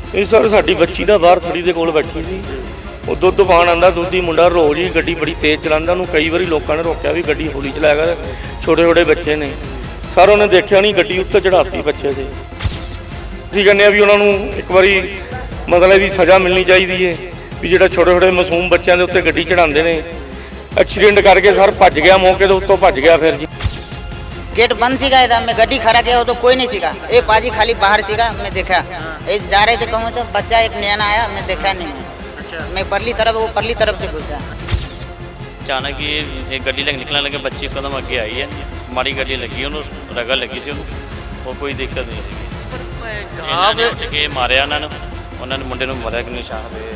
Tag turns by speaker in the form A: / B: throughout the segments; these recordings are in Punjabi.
A: ਇਹ ਸਰ ਸਾਡੀ ਬੱਚੀ ਦਾ ਬਾਹਰ ਥੜੀ ਦੇ ਕੋਲ ਬੈਠੀ ਸੀ। ਉਹ ਦੁੱਧ ਪਾਣ ਆਂਦਾ, ਦੁੱਧੀ ਮੁੰਡਾ ਰੋਜ਼ ਹੀ ਗੱਡੀ ਬੜੀ ਤੇਜ਼ ਚਲਾਉਂਦਾ। ਉਹਨੂੰ ਕਈ ਵਾਰੀ ਲੋਕਾਂ ਨੇ ਰੋਕਿਆ ਵੀ ਗੱਡੀ ਹੌਲੀ ਚਲਾਇਆ ਕਰ, ਛੋਟੇ ਛੋਟੇ ਬੱਚੇ ਨੇ। ਸਰ ਉਹਨੇ ਦੇਖਿਆ ਨਹੀਂ, ਗੱਡੀ ਉੱਤੇ ਚੜਾਤੀ ਬੱਚੇ ਦੇ। ਅਸੀਂ ਕਹਿੰਦੇ ਆ ਵੀ ਉਹਨਾਂ ਨੂੰ ਇੱਕ ਵਾਰੀ ਮਤਲਬ ਇਹਦੀ ਸਜ਼ਾ ਮਿਲਣੀ ਚਾਹੀਦੀ ਹੈ ਵੀ ਜਿਹੜਾ ਛੋਟੇ ਛੋਟੇ ਮਾਸੂਮ ਬੱਚਿਆਂ ਦੇ ਉੱਤੇ ਗੱਡੀ ਚੜਾਉਂਦੇ ਨੇ। एक्सीडेंट करके सर भज गया, मौके तो उत्तों भज गया। फिर जी
B: गेट बंद सीगा, इधर मैं गड्डी खड़ा किया तो कोई नहीं सीगा। ये पाजी खाली बाहर सीगा, मैं देखा ये जा रहे थे कहूँ तो बच्चा एक नया आया, मैं देखा नहीं। मैं परली तरफ, वो परली तरफ से घुसा।
C: अचानक ये गड्डी लग निकलने लगे, बच्ची कदम अगे आई है, माड़ी गड्डी लगी, उन्होंने रगड़ लगी सी और कोई दिक्कत नहीं सी। के मारिया उन्होंने मुंडे नूं मारिया कि निशान पे।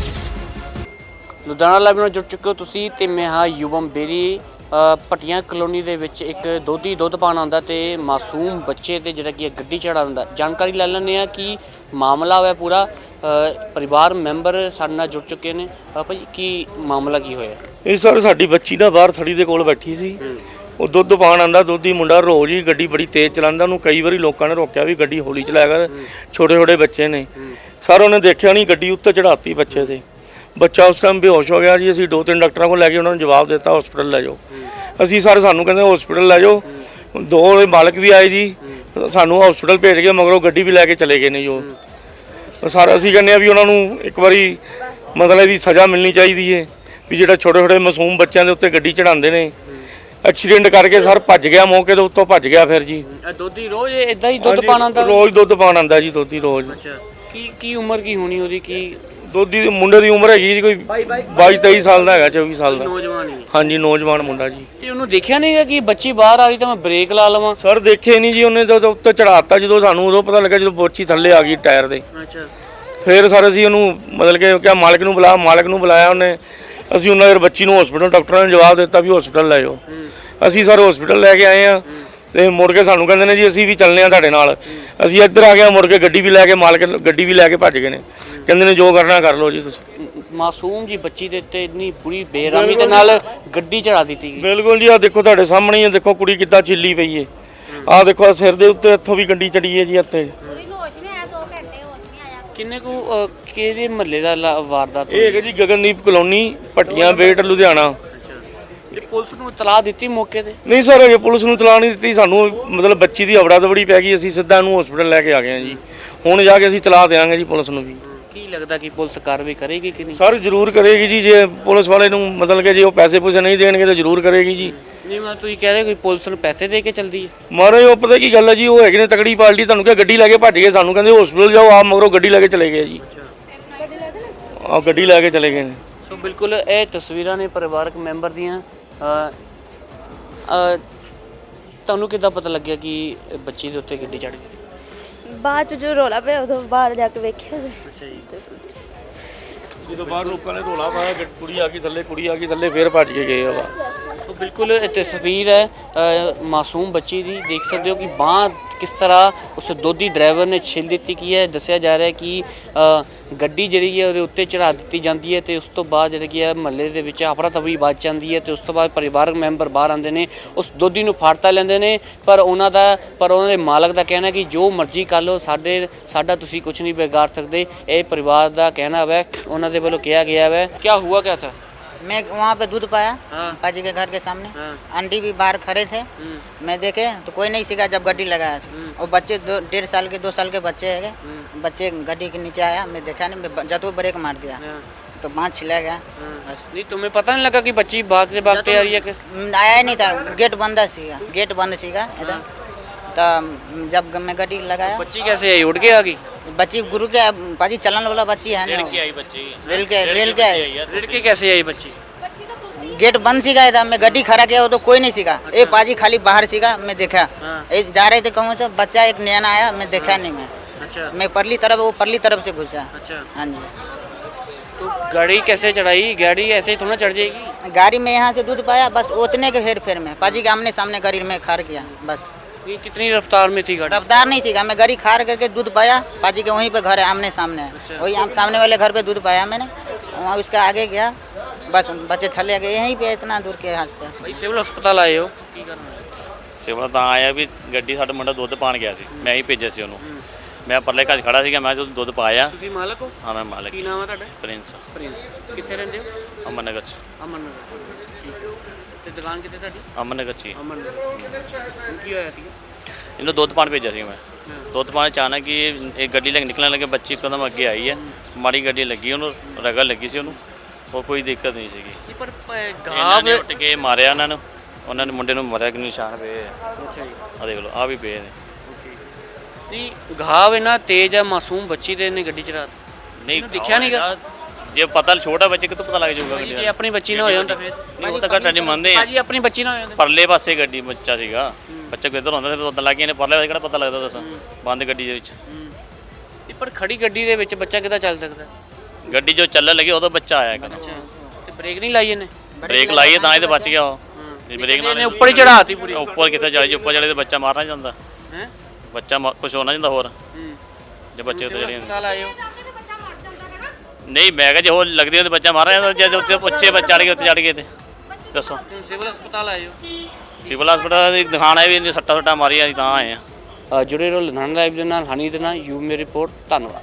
D: ਲੁਧਿਆਣਾ ਲਾਈਵ ਨਾਲ ਜੁੜ ਚੁੱਕੇ ਹੋ ਤੁਸੀਂ ਤੇ ਮੈਂ ਹਾਂ ਯੁਵਮ ਬੇਰੀ। ਪਟੀਆਂ ਕਲੋਨੀ ਦੇ ਵਿੱਚ ਇੱਕ ਦੋਧੀ ਦੁੱਧ ਪਾਣ ਆਉਂਦਾ ਤੇ ਮਾਸੂਮ ਬੱਚੇ ਤੇ ਜਿਹੜਾ ਕਿ ਗੱਡੀ ਚੜਾ ਦਿੰਦਾ। ਜਾਣਕਾਰੀ ਲੈ ਲੈਂਦੇ ਆ ਕਿ ਮਾਮਲਾ ਹੋਇਆ ਪੂਰਾ। ਪਰਿਵਾਰ ਮੈਂਬਰ ਸਾਡੇ ਨਾਲ ਜੁੜ ਚੁੱਕੇ ਨੇ। ਭਾਈ ਕੀ ਮਾਮਲਾ ਕੀ ਹੋਇਆ?
A: ਇਹ ਸਰ ਸਾਡੀ ਬੱਚੀ ਦਾ ਬਾਹਰ ਥੜੀ ਦੇ ਕੋਲ ਬੈਠੀ ਸੀ। ਉਹ ਦੁੱਧ ਪਾਣ ਆਂਦਾ, ਦੁੱਧੀ ਮੁੰਡਾ ਰੋਜ਼ ਹੀ ਗੱਡੀ ਬੜੀ ਤੇਜ਼ ਚਲਾਉਂਦਾ। ਉਹਨੂੰ ਕਈ ਵਾਰੀ ਲੋਕਾਂ ਨੇ ਰੋਕਿਆ ਵੀ ਗੱਡੀ ਹੌਲੀ ਚਲਾਇਆ ਕਰ, ਛੋਟੇ ਛੋਟੇ ਬੱਚੇ ਨੇ। ਸਰ ਉਹਨੇ ਦੇਖਿਆ ਨਹੀਂ, ਗੱਡੀ ਉੱਤੇ ਚੜਾਤੀ ਬੱਚੇ ਦੇ। ਬੱਚਾ ਉਸ ਟਾਈਮ ਬੇਹੋਸ਼ ਹੋ ਗਿਆ ਜੀ। ਅਸੀਂ 2-3 ਡਾਕਟਰਾਂ ਕੋਲ ਲੈ ਕੇ ਉਹਨਾਂ ਨੂੰ ਜਵਾਬ ਦਿੱਤਾ ਹਸਪੀਟਲ ਲੈ ਜਾਓ। ਅਸੀਂ ਸਰ ਸਾਨੂੰ ਕਹਿੰਦੇ ਹਸਪੀਟਲ ਲੈ ਜਾਓ। 2 ਮਾਲਕ ਵੀ ਆਏ ਜੀ, ਸਾਨੂੰ ਹਸਪੀਟਲ ਭੇਜ ਕੇ ਮਗਰੋਂ ਗੱਡੀ ਵੀ ਲੈ ਕੇ ਚਲੇ ਗਏ ਨੇ ਜੋ। ਸਰ ਅਸੀਂ ਕਹਿੰਦੇ ਆ ਵੀ ਉਹਨਾਂ ਨੂੰ ਇੱਕ ਵਾਰੀ ਮਤਲਬ ਇਹਦੀ ਸਜ਼ਾ ਮਿਲਣੀ ਚਾਹੀਦੀ ਹੈ ਵੀ ਜਿਹੜਾ ਛੋਟੇ ਛੋਟੇ ਮਾਸੂਮ ਬੱਚਿਆਂ ਦੇ ਉੱਤੇ ਗੱਡੀ ਚੜਾਉਂਦੇ ਨੇ। ਐਕਸੀਡੈਂਟ ਕਰਕੇ ਸਰ ਭੱਜ ਗਿਆ, ਮੌਕੇ ਦੇ ਉੱਤੋਂ ਭੱਜ ਗਿਆ। ਫਿਰ ਜੀ
D: ਦੋਧੀ ਰੋਜ਼ ਇਦਾਂ ਹੀ ਦੁੱਧ ਪਾਣ ਆਉਂਦਾ?
A: ਰੋਜ਼ ਦੁੱਧ ਪਾਣ ਆਉਂਦਾ ਜੀ ਦੋਧੀ ਰੋਜ਼।
D: ਅੱਛਾ, ਕੀ ਉਮਰ ਕੀ ਹੋਣੀ ਉਹਦੀ? ਕੀ
A: ਦੋਧੀ ਦੇ ਮੁੰਡੇ ਦੀ ਉਮਰ ਹੈਗੀ ਜੀ ਕੋਈ 22-23 ਸਾਲ ਦਾ ਹੈਗਾ, 24 ਸਾਲ ਦਾ।
D: ਨੌਜਵਾਨ ਹੀ?
A: ਹਾਂਜੀ ਨੌਜਵਾਨ ਮੁੰਡਾ ਜੀ।
D: ਤੇ ਉਹਨੂੰ ਦੇਖਿਆ ਨਹੀਂਗਾ ਕਿ ਬੱਚੀ ਬਾਹਰ ਆ ਰਹੀ ਤਾਂ ਮੈਂ ਬ੍ਰੇਕ ਲਾ ਲਵਾਂ?
A: ਸਰ ਦੇਖੇ ਨਹੀਂ ਜੀ, ਉਹਨੇ ਜਦੋਂ ਉੱਤੇ ਚੜਾਤਾ, ਜਦੋਂ ਸਾਨੂੰ ਉਦੋਂ ਪਤਾ ਲੱਗਾ ਜਦੋਂ ਬੱਚੀ ਥੱਲੇ ਆ ਗਈ ਟਾਇਰ ਦੇ।
D: ਅੱਛਾ।
A: ਫਿਰ ਸਰ ਅਸੀਂ ਉਹਨੂੰ ਮਤਲਬ ਕਿ ਕਿਹਾ ਮਾਲਕ ਨੂੰ ਬੁਲਾ, ਮਾਲਕ ਨੂੰ ਬੁਲਾਇਆ ਉਹਨੇ। ਅਸੀਂ ਉਹਨਾਂ ਦੇ ਬੱਚੀ ਨੂੰ ਹਸਪੀਟਲ, ਡਾਕਟਰਾਂ ਨੇ ਜਵਾਬ ਦਿੱਤਾ ਵੀ ਹਸਪੀਟਲ ਲੈ ਜਾਓ। ਅਸੀਂ ਸਰ ਹਸਪੀਟਲ ਲੈ ਕੇ ਆਏ ਆ ਤੇ ਮੁੜ ਕੇ ਸਾਨੂੰ ਕਹਿੰਦੇ ਨੇ ਜੀ ਅਸੀਂ ਵੀ ਚੱਲਨੇ ਆ ਤੁਹਾਡੇ ਨਾਲ। ਅਸੀਂ ਇੱਧਰ ਆ ਗਏ, ਮੁੜ ਕੇ ਗੱਡੀ ਵੀ ਲੈ ਕੇ ਮਾਲਕ ਗੱਡੀ ਵੀ ਲੈ ਕੇ ਭੱਜ ਗਏ ਨੇ। ਕਹਿੰਦੇ ਨੇ ਜੋ ਕਰਨਾ ਕਰ ਲਓ ਜੀ ਤੁਸੀਂ।
D: ਮਾਸੂਮ ਜੀ ਬੱਚੀ ਦੇ ਉੱਤੇ ਇੰਨੀ ਬੁਰੀ ਬੇਰਹਿਮੀ ਦੇ ਨਾਲ ਗੱਡੀ ਚੜਾ ਦਿੱਤੀ ਗਈ।
A: ਬਿਲਕੁਲ ਜੀ, ਆ ਦੇਖੋ ਤੁਹਾਡੇ ਸਾਹਮਣੇ ਹੀ ਹੈ, ਦੇਖੋ ਕੁੜੀ ਕਿੱਦਾਂ ਚਿੱਲੀ ਪਈ ਹੈ। ਆਹ ਦੇਖੋ ਸਿਰ ਦੇ ਉੱਤੇ ਇੱਥੋਂ ਵੀ ਗੱਡੀ ਚੜੀ ਹੈ ਜੀ ਇੱਥੇ।
D: ਕਿੰਨੇ ਕੁ ਕਿਹਦੇ ਮਹੱਲੇ ਦਾ ਵਾਰਦਾਤ?
A: ਇਹ ਹੈਗਾ ਜੀ ਗਗਨਦੀਪ ਕਲੋਨੀ, ਭੱਟੀਆਂ ਬੇਟ, ਲੁਧਿਆਣਾ।
D: ਤੇ ਪੁਲਿਸ ਨੂੰ ਇਤਲਾਹ ਦਿੱਤੀ ਮੌਕੇ ਤੇ?
A: ਨਹੀਂ ਸਰ, ਅਜੇ ਪੁਲਿਸ ਨੂੰ ਇਤਲਾਹ ਨਹੀਂ ਦਿੱਤੀ। ਸਾਨੂੰ ਮਤਲਬ ਬੱਚੀ ਦੀ ਹਵੜਾ ਦਵੜੀ ਪੈ ਗਈ, ਅਸੀਂ ਸਿੱਧਾ ਇਹਨੂੰ ਹਸਪੀਟਲ ਲੈ ਕੇ ਆ ਗਏ ਹਾਂ ਜੀ। ਹੁਣ ਜਾ ਕੇ ਅਸੀਂ ਇਤਲਾਹ ਦੇਵਾਂਗੇ ਜੀ ਪੁਲਿਸ ਨੂੰ ਵੀ।
D: ਕੀ ਲੱਗਦਾ ਕਿ ਪੁਲਿਸ ਕਾਰਵਾਈ ਕਰੇਗੀ ਕਿ ਨਹੀਂ?
A: ਸਰ ਜ਼ਰੂਰ ਕਰੇਗੀ ਜੀ। ਜੇ ਪੁਲਿਸ ਵਾਲੇ ਨੂੰ ਮਤਲਬ ਕਿ ਜੇ ਉਹ ਪੈਸੇ ਪੂਸੇ ਨਹੀਂ ਦੇਣਗੇ ਤਾਂ ਜ਼ਰੂਰ ਕਰੇਗੀ ਜੀ।
D: ਨਹੀਂ ਮੈਂ ਤੁਸੀਂ ਕਹਿ ਰਹੇ ਕੋਈ ਪੁਲਿਸ ਨੂੰ ਪੈਸੇ ਦੇ ਕੇ ਚੱਲਦੀ ਹੈ?
A: ਮਹਾਰਾਜ ਉਹ ਪਤਾ ਕੀ ਗੱਲ ਹੈ ਜੀ, ਉਹ ਹੈਗੇ ਨੇ ਤਕੜੀ ਪਾਰਟੀ। ਤੁਹਾਨੂੰ ਕਿਹਾ ਗੱਡੀ ਲੈ ਕੇ ਭੱਜ ਗਏ, ਸਾਨੂੰ ਕਹਿੰਦੇ ਹਸਪੀਟਲ ਜਾਓ, ਆਪ ਮਗਰੋਂ ਗੱਡੀ ਲੈ ਕੇ ਚਲੇ ਗਏ ਜੀ। ਆਹ ਗੱਡੀ ਲੈ ਕੇ ਚਲੇ ਗਏ ਨੇ।
D: ਸੋ ਬਿਲਕੁਲ ਇਹ ਤਸਵੀਰਾਂ ਨੇ ਪਰਿਵਾਰਕ ਮੈਂਬਰ ਦੀਆਂ। ਤੁਹਾਨੂੰ ਕਿੱਦਾਂ ਪਤਾ ਲੱਗਿਆ ਕਿ ਬੱਚੀ ਦੇ ਉੱਤੇ ਗੱਡੀ ਚੜ ਗਈ?
E: ਬਾਅਦ ਚ ਜੋ ਰੋਲਾ ਪਿਆ ਉਦੋਂ ਬਾਹਰ ਜਾ ਕੇ ਵੇਖਿਆ।
D: ਅੱਛਾ ਜੀ।
A: ਜਦੋਂ ਬਾਹਰ ਲੋਕਾਂ ਨੇ ਰੋਲਾ ਪਾਇਆ, ਕੁੜੀ ਆ ਗਈ ਥੱਲੇ, ਕੁੜੀ ਆ ਗਈ ਥੱਲੇ, ਫਿਰ ਭੱਜ ਕੇ ਗਏ ਆ।
D: ਸੋ ਬਿਲਕੁਲ ਇਹ ਤਸਵੀਰ ਹੈ ਮਾਸੂਮ ਬੱਚੀ ਦੀ। ਦੇਖ ਸਕਦੇ ਹੋ ਕਿ ਬਾਂਹ ਕਿਸ ਤਰ੍ਹਾਂ ਉਸ ਦੋਧੀ ਡਰਾਈਵਰ ਨੇ ਛਿੱਲ ਦਿੱਤੀ ਕੀ ਹੈ। ਦੱਸਿਆ ਜਾ ਰਿਹਾ ਕਿ ਗੱਡੀ ਜਿਹੜੀ ਹੈ ਉਹਦੇ ਉੱਤੇ ਚੜਾ ਦਿੱਤੀ ਜਾਂਦੀ ਹੈ ਤੇ ਉਸ ਤੋਂ ਬਾਅਦ ਜਿਹੜੀ ਕਿ ਹੈ ਮਹੱਲੇ ਦੇ ਵਿੱਚ ਹਫੜਾ ਤਫੜੀ ਵੱਜ ਜਾਂਦੀ ਹੈ ਤੇ ਉਸ ਤੋਂ ਬਾਅਦ ਪਰਿਵਾਰਕ ਮੈਂਬਰ ਬਾਹਰ ਆਉਂਦੇ ਨੇ, ਉਸ ਦੋਧੀ ਨੂੰ ਫੜ ਤਾਂ ਲੈਂਦੇ ਨੇ। ਪਰ ਉਹਨਾਂ ਦੇ ਮਾਲਕ ਦਾ ਕਹਿਣਾ ਕਿ ਜੋ ਮਰਜ਼ੀ ਕਰ ਲਓ, ਸਾਡਾ ਤੁਸੀਂ ਕੁਝ ਨਹੀਂ ਵਿਗਾੜ ਸਕਦੇ। ਇਹ ਪਰਿਵਾਰ ਦਾ ਕਹਿਣਾ ਹੈ, ਉਹਨਾਂ ਦੇ ਵੱਲੋਂ ਕਿਹਾ ਗਿਆ ਹੈ। ਕੀ ਹੁਆ ਕਿਆ ਥਾ?
B: मैं वहाँ पे दूध पाया,
D: हाँ।
B: पाजी के घर के सामने।
D: हाँ।
B: आंटी भी बाहर खड़े थे। मैं देखे तो कोई नहीं सीखा जब गड्डी लगाया था। और बच्चे 1.5 साल के 2 साल के बच्चे है। बच्चे गड्डी के नीचे आया, मैं देखा नहीं, मैं जब वो ब्रेक मार दिया तो बाँह छिला गया बस।
D: नहीं तुम्हें पता नहीं लगा कि बच्ची भागते भागते आ रही है?
B: आया ही नहीं था, गेट बंद सीगा इधर। तो जब मैं गड्डी लगाया,
D: बच्ची कैसे आई? उड़ के आ गई?
B: बच्ची गुरु के पाजी चलन वाला बच्ची है ना, रेल के
D: रिड़ के कैसे आई बच्ची?
B: गेट बंद सीगा था। मैं गड्डी खड़ा किया तो कोई नहीं सीखा। ये पाजी खाली बाहर सीगा, मैं देखा ये जा रहे थे कहूँ तो बच्चा एक नया आया, मैं देखा नहीं। मैं
D: अच्छा।
B: मैं परली तरफ, वो परली तरफ से घुसा।
D: अच्छा।
B: हाँ जी।
D: तो गाड़ी कैसे चढ़ाई? गाड़ी ऐसे ही थोड़ा चढ़ जाएगी?
B: गाड़ी में यहाँ से दूध पाया बस, उतने के हेर फेर में पाजी के आमने सामने गाड़ी में खार किया बस।
D: ये कितनी रफ्तार में थी गाड़ी?
B: रफ्तार नहीं सीखा, मैं गाड़ी खार करके दूध पाया। पाजी के वहीं पे घर है, आमने सामने है।
D: अच्छा।
B: वही सामने वाले घर पे दूध पाया मैंने, वहाँ उसके आगे गया बस, बच्चे थले गए यहीं पे, इतना दूर के आसपास।
D: भाई सिविल हस्पताल आए हो?
C: ਸਿਵਲ ਤਾਂ ਆਇਆ ਵੀ ਗੱਡੀ ਸਾਡਾ ਮੁੰਡਾ ਦੁੱਧ ਪਾਣ ਗਿਆ ਸੀ, ਮੈਂ ਹੀ ਭੇਜਿਆ ਸੀ ਉਹਨੂੰ। ਮੈਂ ਪਰਲੇ ਘਰ 'ਚ ਖੜਾ ਸੀਗਾ, ਮੈਂ ਜਦੋਂ ਦੁੱਧ ਪਾਇਆ।
D: ਤੁਸੀਂ ਮਾਲਕ ਹੋ?
C: ਹਾਂ ਮੈਂ ਮਾਲਕ।
D: ਕੀ ਨਾਮ ਹੈ ਤੁਹਾਡਾ?
C: Prince
D: Prince. ਕਿੱਥੇ ਰਹਿੰਦੇ ਹੋ?
C: ਅਮਨ ਨਗਰ 'ਚ।
D: ਅਮਨ ਨਗਰ। ਤੇ ਦੁਕਾਨ ਕਿੱਥੇ ਤੁਹਾਡੀ?
C: ਅਮਨ ਨਗਰ 'ਚ ਹੀ।
D: ਅਮਨ ਨਗਰ। ਹੁਣ ਕੀ ਹੋਇਆ ਸੀ?
C: ਇਹਨੂੰ ਦੁੱਧ ਪਾਣ ਭੇਜਿਆ ਸੀ ਮੈਂ। ਦੁੱਧ ਪਾਣ ਅਚਾਨਕ ਹੀ ਇਹ ਗੱਡੀ ਲੈ ਕੇ ਨਿਕਲਣ ਲੱਗੇ, ਬੱਚੀ ਇੱਕਦਮ ਅੱਗੇ ਆਈ ਹੈ, ਮਾੜੀ ਗੱਡੀ ਲੱਗੀ, ਉਹਨੂੰ ਰਗੜ ਲੱਗੀ ਸੀ ਉਹਨੂੰ, ਉਹ ਕੋਈ ਦਿੱਕਤ ਨਹੀਂ ਸੀਗੀ।
D: ਪਰ
C: ਇਹਨਾਂ
D: ਗਾਵ
C: ਨੇ ਉੱਟ ਕੇ ਮਾਰਿਆ ਉਹਨਾਂ ਨੇ ਮੁੰਡੇ ਨੂੰ ਮਾਰਿਆ ਕਿ ਨਿਸ਼ਾਨ ਪਏ ਆ।
D: ਅੱਛਾ ਜੀ।
C: ਆ ਦੇਖ ਲਓ, ਆ ਵੀ ਪਏ ਨੇ।
D: ਨਹੀਂ ਘਾਵ ਇੰਨਾ ਤੇਜ਼ ਹੈ, ਮਾਸੂਮ ਬੱਚੀ ਦੇ ਨੇ ਗੱਡੀ ਚਲਾ
C: ਨਹੀਂ
D: ਦਿਖਿਆ ਨੀ ਗਾ।
C: ਜੇ ਪਤਾ ਛੋਟਾ ਬੱਚੇ ਕਿਤੋਂ ਪਤਾ ਲੱਗ ਜਾਊਗਾ ਗੱਡੀ
D: ਜੇ
C: ਦਾ?
D: ਆਪਣੀ ਬੱਚੀ ਨਾ ਹੋਇਆ ਹੁੰਦਾ ਫਿਰ?
C: ਨਹੀਂ ਉਹ ਤਾਂ ਘੱਟ ਨਹੀਂ ਮੰਨਦੇ ਆ।
D: ਭਾਜੀ ਆਪਣੀ ਬੱਚੀ ਨਾ ਹੋਇਆ ਹੁੰਦਾ।
C: ਪਰਲੇ ਪਾਸੇ ਗੱਡੀ ਬੱਚਾ ਸੀਗਾ, ਬੱਚਾ ਕਿੱਧਰ ਹੁੰਦਾ ਸੀ, ਉਦੋਂ ਲੱਗ ਗਏ ਨੇ ਪਰਲੇ ਪਾਸੇ, ਕਿਹੜਾ ਪਤਾ ਲੱਗਦਾ ਦੱਸਾਂ ਬੰਦ ਗੱਡੀ ਦੇ ਵਿੱਚ।
D: ਇਹ ਪਰ ਖੜੀ ਗੱਡੀ ਦੇ ਵਿੱਚ ਬੱਚਾ ਕਿੱਦਾਂ ਚੱਲ ਸਕਦਾ?
C: ਗੱਡੀ ਜੋ ਚੱਲਣ ਲੱਗੀ ਉਦੋਂ ਬੱਚਾ ਆਇਆ ਇੱਕਦਮ।
D: ਅੱਛਾ ਤੇ ਬ੍ਰੇਕ ਨਹੀਂ ਲਾਈ ਇਹਨੇ?
C: ਬ੍ਰੇਕ ਲਾਈਏ ਤਾਂ ਇਹ ਤਾਂ ਬਚ ਗਿਆ ਉਹ। ਜੇ ਬ੍ਰੇਕ
D: ਇਹਨੇ ਉੱਪਰ ਹੀ ਚੜਾਤੀ ਪੂਰੀ।
C: ਉੱਪਰ ਕਿੱਥੇ ਚੜੇ, ਜੇ ਉੱਪਰ ਚੜੇ ਤੇ ਬੱਚਾ ਮਾਰਨਾ ਜਾਂਦਾ,
D: ਹੈ
C: ਬੱਚਾ ਕੁਝ ਹੋਣਾ ਜਾਂਦਾ ਹੋਰ ਜੇ ਬੱਚੇ ਉੱਤੇ ਚੜੇ।
D: ਹਸਪਤਾਲ ਆਏ ਹੋ?
C: ਨਹੀਂ ਮੈਂ ਕਿਹਾ ਜੇ ਹੋਰ ਲੱਗਦੀ ਹੁੰਦੀ ਬੱਚਾ ਮਾਰਨਾ ਜਾਂਦਾ, ਜੇ ਉੱਤੇ ਉੱਚੇ ਬੱਚੇ ਚੜ ਗਏ, ਉੱਤੇ ਚੜ ਗਏ ਤੇ ਦੱਸੋ।
D: ਸਿਵਲ ਹਸਪਤਾਲ ਆਏ ਹੋ?
C: ਸਿਵਲ ਹਸਪਤਾਲ ਦੀ ਦਿਖਾਣਾ ਵੀ ਸੱਟਾਂ ਮਾਰੀਆਂ ਅਸੀਂ ਤਾਂ ਆਏ ਆ।
D: ਜੁੜੇ ਰਹੋ ਲੁਧਿਆਣਾ ਲਾਈਵ ਦੇ ਨਾਲ, ਹਨੀ ਦੇ ਨਾਲ। ਯੂ ਮੇਰੀ ਰਿਪੋਰਟ। ਧੰਨਵਾਦ।